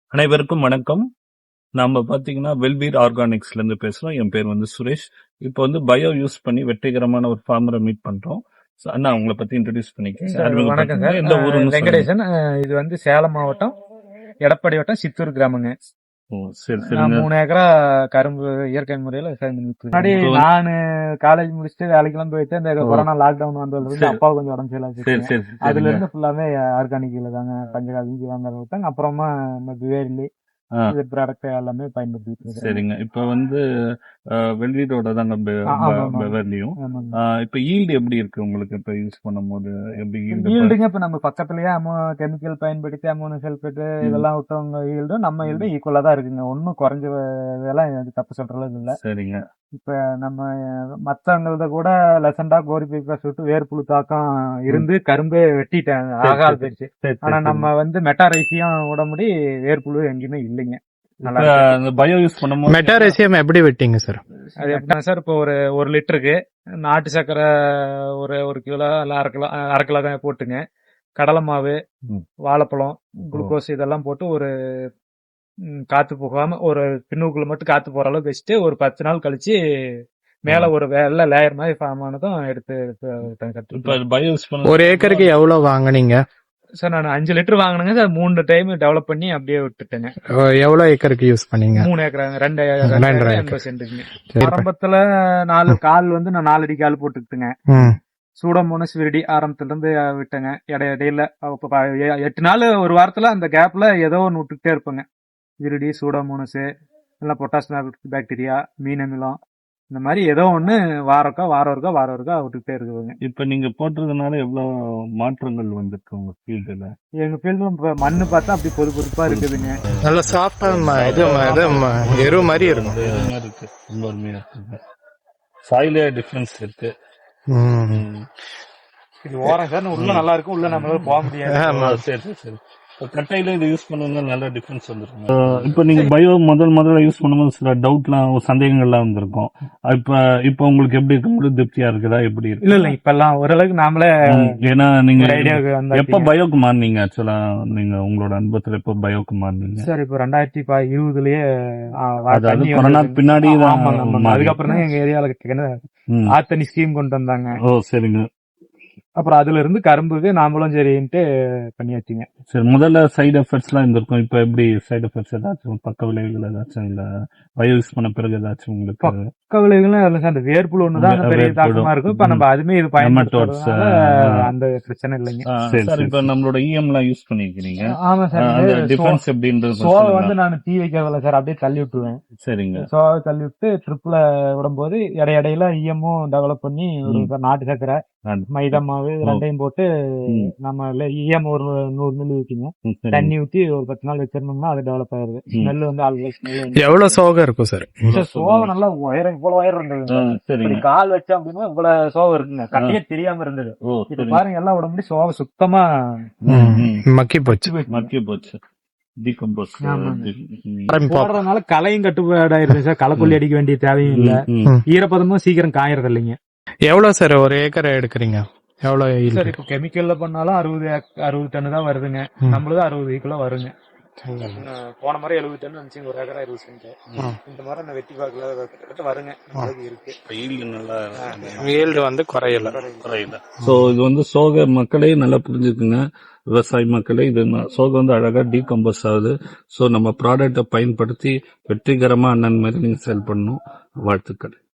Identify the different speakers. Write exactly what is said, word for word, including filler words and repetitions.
Speaker 1: அனைவருக்கும் வணக்கம். நாம பாத்தீங்கன்னா வெல்பீர் ஆர்கானிக்ஸ்ல இருந்து பேசுறோம். என் பேர் வந்து சுரேஷ். இப்போ வந்து பயோ யூஸ் பண்ணி வெற்றிகரமான ஒரு ஃபார்மரை மீட் பண்றோம். So, அண்ணா உங்களை பத்தி இன்ட்ரோடியூஸ் பண்ணிக்கங்க.
Speaker 2: சார் வணக்கம்
Speaker 1: அறிமுகப்படுத்துங்க.
Speaker 2: சார்.
Speaker 1: எந்த
Speaker 2: அஹ்
Speaker 1: ஊருன்னு சொல்லுங்க.
Speaker 2: வெங்கடேசன். அஹ் இது வந்து சேலம் மாவட்டம் எடப்பாடி வட்டம் சித்தூர் கிராமங்க.
Speaker 1: ஓ, சரி
Speaker 2: நான்
Speaker 1: சரிங்க.
Speaker 2: மூணு ஏக்கரா கரும்பு இயற்கை முறையில விவசாயம் பண்ணிட்டு இருக்கேன். முன்னாடி
Speaker 1: இப்போ வந்து-
Speaker 2: நானு காலேஜ் முடிச்சுட்டு வேலைக்கெல்லாம் போயிட்டு இந்த
Speaker 1: ஓ.
Speaker 2: கொரோனா லாக்டவுன் வந்ததுல இருந்து
Speaker 1: சரி.
Speaker 2: அப்பா கொஞ்சம் உடம்பு சரியில்லாம
Speaker 1: சரி
Speaker 2: போச்சுங்க.
Speaker 1: சரி
Speaker 2: அதுல
Speaker 1: சரிங்க.
Speaker 2: இருந்து ஃபுல்லாமே ஆர்கானிக்ல தாங்க பஞ்சகாவிக்கு வாங்க விட்டாங்க. அப்புறமா இந்த வேலி
Speaker 1: ஆ,
Speaker 2: இது ப்ராடக்ட் எல்லாமே பயன்படுத்திட்டு இருக்கேன்.
Speaker 1: சரிங்க. இப்போ வந்து அஹ், வெல்பீரோட தாங்க பெ-
Speaker 2: ஆ, ஆமா,
Speaker 1: பெ-
Speaker 2: ஆமா.
Speaker 1: பெவர்லியும்.
Speaker 2: ஆமாங்க.
Speaker 1: ஆஹ், இப்போ ஈல்டு எப்படி இருக்கு உங்களுக்கு இப்போ யூஸ் பண்ணும்போது? எப்படி ஈல்டு?
Speaker 2: ஈல்டுங்க இப்ப நம்ம பக்கத்துலயே அமோ கெமிக்கல் பயன்படுத்தி அமோனோ சல்பேட் இதெல்லாம் விட்டவங்க ஈல்டும் நம்ம ஈல்டும் ஈக்குவலா தான் இருக்குங்க. ஒன்னும் குறைஞ்ச இதெல்லாம் இது தப்பு சொல்ற அளவுக்கு இல்ல.
Speaker 1: சரிங்க.
Speaker 2: இப்ப நம்ம மத்தவங்களத கூட லெசண்டா கோரி பைப்பா சுட்டு வேர்ப்புழு தாக்கம் இருந்து கரும்பே வெட்டிட்டாங்க,
Speaker 1: சரி,
Speaker 2: ஆகாது
Speaker 1: சரி.
Speaker 2: போயிடுச்சு.
Speaker 1: சரி,
Speaker 2: ஆனா
Speaker 1: சரி,
Speaker 2: நம்ம வந்து மெட்டாரைசியம் விட முடி வேர்ப்புழு எங்கேயுமே இல்லைங்க. நல்லா
Speaker 1: இப்ப
Speaker 2: இருக்கு.
Speaker 1: அந்த பயோ யூஸ் பண்ணும்போது
Speaker 3: மெட்டாரேசியம் எப்படி வெட்டிங்க சார்?
Speaker 2: அது எப்படின்னா சார், இப்போ ஒரு ஒரு லிட்டருக்கு நாட்டு சக்கரை ஒரு ஒரு கிலோ இல்ல அரை கிலோ அரை கிலோ தான் போட்டுங்க. கடலை மாவு,
Speaker 1: ம்.
Speaker 2: வாழைப்பழம், குளுக்கோஸ் இதெல்லாம் போட்டு ஒரு ம், காத்து போகாம ஒரு பின்னுக்குள்ள மட்டும் காத்து போற அளவுக்கு வச்சுட்டு ஒரு பத்து நாள் கழிச்சு மேல ஒரு வெள்ளை லேயர் மாதிரி ஃபார்ம் ஆனதும் எடுத்து எடுத்து
Speaker 1: இப்ப
Speaker 2: கட்டுக்கலாம்.
Speaker 1: பயோ யூஸ் பண்ண
Speaker 3: ஒரு ஏக்கருக்கு எவ்வளவு வாங்குனீங்க?
Speaker 2: சார் நான் அஞ்சு லிட்டர் வாங்கினேங்க சார். மூணு டைம் டெவலப் பண்ணி அப்படியே விட்டுட்டேங்க.
Speaker 3: அஹ் எவ்வளவு ஏக்கருக்கு யூஸ் பண்ணீங்க?
Speaker 2: மூணு ஏக்கர் ரெண்டு
Speaker 3: ரெண்டரை
Speaker 2: ஏக்கர்
Speaker 3: ஏக்கர்.
Speaker 2: எண்பது சென்ட்டுங்க.
Speaker 3: சரி.
Speaker 2: ஆரம்பத்துல நாலு கால் வந்து நான் நாலு அடி கால் போட்டுக்கிட்டுங்க.
Speaker 3: ம்.
Speaker 2: சூடோமோனஸ் விரிடி ஆரம்பத்துல இருந்து விட்டேங்க. இடை இடையில அப்ப ப- எ- எட்டு நாள் ஒரு வாரத்துல அந்த கேப்ல ஏதோ ஒன்று விட்டுக்கிட்டே இருப்பேங்க. விரிடி, சூடோமோனஸ், இல்லை பொட்டாஸ் பாக்டீரியா, மீன் அமிலம், இந்த மாதிரி ஏதோ ஒண்ணு வாரக்கா வாரம் இருக்கா வாரம் இருக்கா விட்டுக்கிட்டே இருக்குதுங்க.
Speaker 1: இப்ப நீங்க போட்டதுனால எவ்வளவு மாற்றங்கள் வந்திருக்கு உங்க ஃபீல்டுல?
Speaker 2: எங்க ஃபீல்டு இப்ப மண்ணு பார்த்தா அப்படி பொது பொதுப்பா இருக்குதுங்க.
Speaker 3: நல்ல சாஃப்டா இது இது ம- எரு மாதிரி இருக்கும்.
Speaker 1: இது மாதிரி இருக்கு. ரொம்ப அருமையா இருக்கு. சாயிலே டிஃபரன்ஸ் இருக்கு.
Speaker 3: ம்.
Speaker 1: ம்.
Speaker 2: இது ஓரம் சார், உள்ள நல்லா இருக்கும், உள்ள நம்மளால போக முடியாது.
Speaker 3: ஆமா.
Speaker 1: ஆ, சரி சரி சரி. இப்ப கட்டையில இது யூஸ் பண்ணுங்க, நல்ல டிஃபரன்ஸ் வந்துருக்கும். இப்ப நீங்க பயோ முதல் முதல்ல யூஸ் பண்ணும்போது சில டவுட்லாம் சந்தேகங்கள்லாம் வந்திருக்கும். இப்ப இப்ப உங்களுக்கு எப்படி இருக்கு? உங்களுக்கு திருப்தியா இருக்குதா? எப்படி இருக்கு?
Speaker 2: இல்ல இல்ல இப்ப எல்லாம் ஓரளவுக்கு நாமளே
Speaker 1: ம், ஏன்னா நீங்க
Speaker 2: ஒரு ஐடியாவுக்கு
Speaker 1: எப்ப
Speaker 2: வந்தாச்சு.
Speaker 1: பயோக்கு மாறினீங்க? ஆக்சுவலா நீங்க உங்களோட அனுபவத்துல எப்ப பயோக்கு மாறினீங்க?
Speaker 2: சார் இப்போ ரெண்டாயிரத்தி ப- இருபதுலயே ஆ, வா-
Speaker 1: அதாவது
Speaker 2: தண்ணி
Speaker 1: கொரோனா
Speaker 2: வந்தது.
Speaker 1: பின்னாடி தான்
Speaker 2: ஆமாங்க, ஆமாங்க.
Speaker 1: மாறி.
Speaker 2: அதுக்கப்புறம் தான் எங்க ஏரியால
Speaker 1: ம்.
Speaker 2: ஆத்தனி ஸ்கீம் கொண்டு வந்தாங்க.
Speaker 1: ஓ, சரிங்க.
Speaker 2: அப்புறம் அதுல இருந்து கரும்புக்கு நாமளும் சரின்ட்டு பண்ணியாச்சுங்க.
Speaker 1: சரி, முதல்ல சைடு எஃபெக்ட்ஸ் எல்லாம் இருந்திருக்கும். இப்ப எப்படி சைடு எஃபெக்ட்ஸ் ஏதாச்சும் பக்க விளைவுகள் ஏதாச்சும் இல்ல பயோ யூஸ் பண்ண பிறகு ஏதாச்சும் உங்களுக்கு
Speaker 2: பக்க விளைவுகளும் இல்ல சார், அந்த வேர்ப்புழு ஒண்ணுதான் அந்த பெரிய
Speaker 1: வேர்ப்புழு.
Speaker 2: தாக்கமா இருக்கும். இப்ப நம்ம அதுமே இது
Speaker 1: Nematodes,
Speaker 2: பயன்படுத்துறதுனால
Speaker 1: ஆ.
Speaker 2: அந்த பிரச்சனை இல்லைங்க.
Speaker 1: ஆ, சார் இப்ப நம்மளோட இஎம் எல்லாம் யூஸ் பண்ணிருக்கீங்க.
Speaker 2: ஆமா சார்.
Speaker 1: அந்த
Speaker 2: இது
Speaker 1: டிஃபரன்ஸ் எப்படின்றது
Speaker 2: சோவை
Speaker 1: சொல்லுங்க.
Speaker 2: வந்து நான் தீ வைக்கிறதில்ல சார், அப்படியே தள்ளி விட்டுருவேன்.
Speaker 1: சரிங்க.
Speaker 2: சோவை தள்ளி விட்டு ட்ரிப்ல விடும்போது இடையிடையில ஈயமும் டெவலப் பண்ணி ஒரு
Speaker 1: ம்.
Speaker 2: நாட்டு சக்கரை,
Speaker 1: நான்-
Speaker 2: மைதா மாவு இது
Speaker 1: ஓ.
Speaker 2: ரெண்டையும் போட்டு
Speaker 1: ம்.
Speaker 2: நம்ம ஈயம் ஒரு நூறு மில்லி ஊற்றிங்க,
Speaker 1: ம், சரிங்க.
Speaker 2: தண்ணி ஊத்தி ஒரு பத்து நாள் வச்சிருந்தோம்னா அது டெவலப் ஆயிருது.
Speaker 1: ம்.
Speaker 2: ஸ்மெல் வந்து ஆல்ரெடி ஸ்மெல்
Speaker 3: எவ்வளவு சோகம் இருக்கும் சார்?
Speaker 2: சோவை நல்லா உயரம் இவ்வளவு உயரம் இருந்தது.
Speaker 1: ஆ,
Speaker 2: இப்படி
Speaker 1: சரிங்க.
Speaker 2: கால் வச்சா அப்படின்னா இவ்வளவு சோவை இருக்குங்க. கட்டையே தெரியாம இருந்தது.
Speaker 1: ஓ,
Speaker 2: இப்ப
Speaker 1: சரிங்க.
Speaker 2: பாருங்க எல்லாம் உடம்பு சோவை சுத்தமா
Speaker 1: ம், ம்.
Speaker 3: மக்கி போச்சு.
Speaker 1: மக்கிய போச்சு. டீகம்போஸ்.
Speaker 2: ஆமாங்க. போடுறதுனால களையும் கட்டுப்பாடாயிருது சார். களைக்கொல்லி அடிக்க வேண்டிய தேவையும் இல்ல. ஈரப்பதமும் சீக்கிரம் காயறது இல்லைங்க.
Speaker 3: எவ்வளவு சார் ஒரு ஏக்கரை எடுக்கிறீங்க? எவ்வளவு yield?
Speaker 2: சார் இப்போ கெமிக்கல்ல பண்ணாலும் அறுபது அறுபது டன்னு தான் வருதுங்க.
Speaker 3: ம்.
Speaker 2: நம்மளது அறுபது கிலோ வருங்க. நான் போன மாதிரி எழுபது டன் வந்துச்சு, ஒரு ஏக்கரா இருபது சென்ட்.
Speaker 3: ம்.
Speaker 2: இந்த மாதிரி நான் வெட்டி பார்க்கல, கிட்டத்தட்ட வருங்க. நம்மளுக்கு இருக்கு.
Speaker 1: yield நல்லா
Speaker 3: yield வந்து குறையல.
Speaker 1: குறையுது. சோ இது வந்து சோக மக்களே நல்லா புரிஞ்சுக்குங்க. விவசாய மக்களே, இது ந- சோகம் வந்து அழகா டீகம்போஸ் ஆகுது. சோ நம்ம ப்ராடக்டை பயன்படுத்தி வெற்றிகரமா அண்ணன் மாதிரி நீங்க செயல்படணும். வாழ்த்துக்கள்.